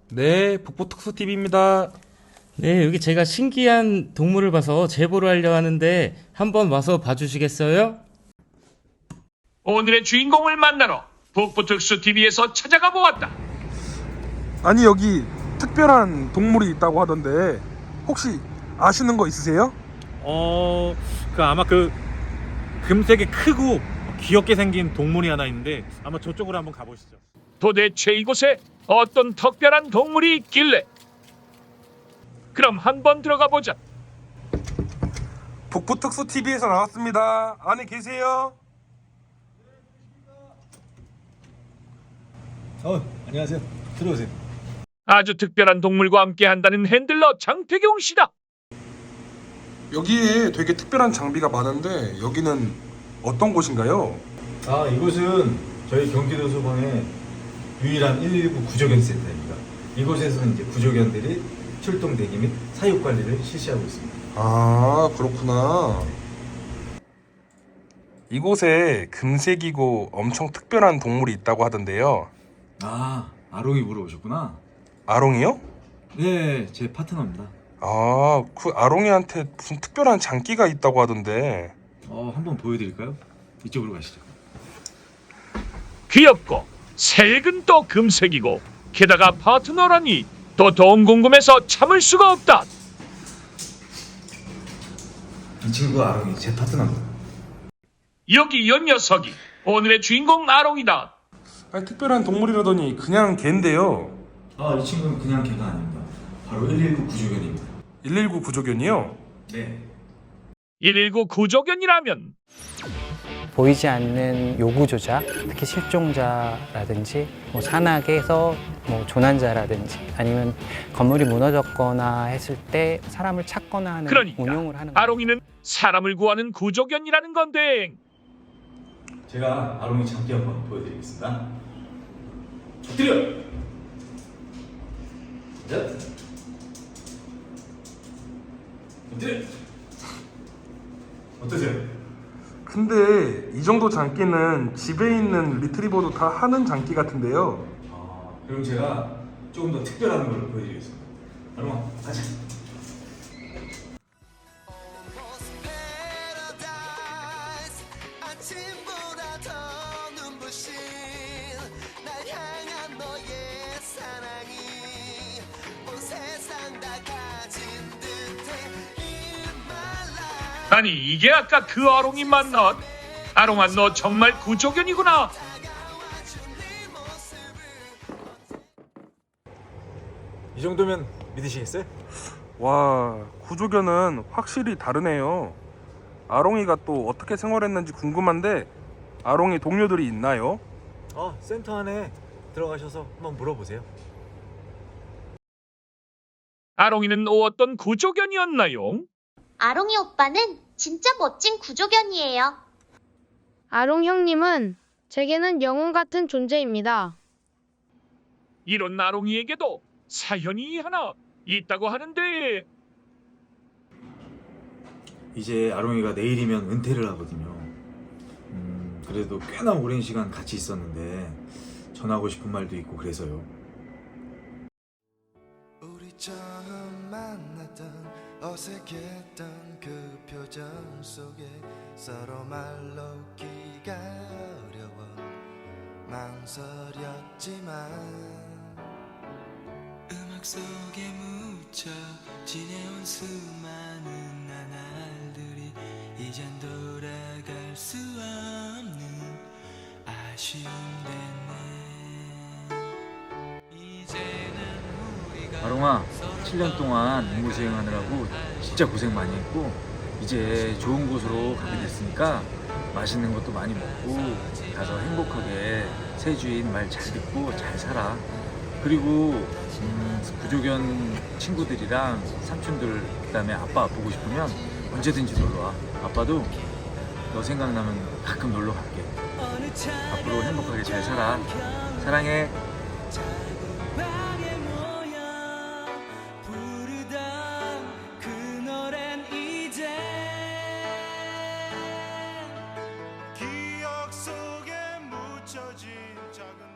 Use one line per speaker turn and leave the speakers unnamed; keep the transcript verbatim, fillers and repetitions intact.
네, 북부특수티비입니다.
네, 여기 제가 신기한 동물을 봐서 제보를 하려 하는데 한번 와서 봐주시겠어요?
오늘의 주인공을 만나러 북부특수티비에서 찾아가 보았다.
아니, 여기 특별한 동물이 있다고 하던데 혹시 아시는 거 있으세요?
어, 그 아마 그 금색이 크고 귀엽게 생긴 동물이 하나 있는데 아마 저쪽으로 한번 가보시죠.
도대체 이곳에 어떤 특별한 동물이 있길래? 그럼 한번 들어가 보자.
북부특수티비에서 나왔습니다. 안에 계세요?
어, 안녕하세요. 들어오세요.
아주 특별한 동물과 함께 한다는 핸들러 장태경 씨다.
여기에 되게 특별한 장비가 많은데 여기는 어떤 곳인가요?
아, 이곳은 저희 경기도 소방의 유일한 일일구 구조견 센터입니다. 이곳에서는 이제 구조견들이 출동 대기 및 사육 관리를 실시하고 있습니다.
아, 그렇구나. 이곳에 금색이고 엄청 특별한 동물이 있다고 하던데요.
아, 아롱이 물어보셨구나.
아롱이요?
네, 제 파트너입니다.
아, 그 아롱이한테 무슨 특별한 장기가 있다고 하던데.
어, 한번 보여드릴까요? 이쪽으로 가시죠.
귀엽고 색은 또 금색이고 게다가 파트너라니 또 더 궁금해서 참을 수가 없다.
이 친구 아롱이 제 파트너입니다.
여기 이 녀석이 오늘의 주인공 아롱이다.
아니, 특별한 동물이라더니 그냥 걘데요.
아, 이 친구는 그냥 개가 아닙니다. 바로 일일구 구조견입니다.
일일구 구조견이요?
네.
일일구 구조견이라면
보이지 않는 요구조작, 특히 실종자라든지 뭐 산악에서 뭐 조난자라든지 아니면 건물이 무너졌거나 했을 때 사람을 찾거나 하는
그러니까
운용을 하는
아롱이는 사람을 구하는 구조견이라는 건데
제가 아롱이 장기 한번 보여드리겠습니다. 엎드려! 자, 엎드려! 어떠세요?
근데 이 정도 장기는 집에 있는 리트리버도 다 하는 장기 같은데요.
아, 그럼 제가 조금 더 특별한 걸 보여드리겠습니다. 아롱아, 가자.
아침보다 더 눈부신 날 향한 너의 사랑이 온 세상 다 가진 듯해 In my life.
아니 이게 아까 그 아롱이 맞나? 아롱아 너 정말 구조견이구나.
이 정도면 믿으시겠어요?
와, 구조견은 확실히 다르네요. 아롱이가 또 어떻게 생활했는지 궁금한데 아롱이 동료들이 있나요?
어, 센터 안에 들어가셔서 한번 물어보세요.
아롱이는 어떤 구조견이었나요?
아롱이 오빠는 진짜 멋진 구조견이에요.
아롱 형님은 제게는 영웅 같은 존재입니다.
이런 아롱이에게도 사연이 하나 있다고 하는데
이제 아롱이가 내일이면 은퇴를 하거든요. 음, 그래도 꽤나 오랜 시간 같이 있었는데 전하고 싶은 말도 있고 그래서요.
우리 처음 만났던 어색했던 그 표정 속에 서로 말로 기가 어려워 망설였지만 음악 속에 묻혀 지내온 수많은 나날들이 이젠 돌아갈 수 없는 아쉬움 됐네. 이제는 우리가
아롱아, 칠 년 동안 임무 수행하느라고 진짜 고생 많이 했고 이제 좋은 곳으로 가게 됐으니까 맛있는 것도 많이 먹고 가서 행복하게 새 주인 말 잘 듣고 잘 살아. 그리고 음, 구조견 친구들이랑 삼촌들 그다음에 아빠 보고 싶으면 언제든지 놀러와. 아빠도 너 생각나면 가끔 놀러 갈게. 앞으로 행복하게 잘 살아. 사랑해.
기억 속에 묻혀진 작은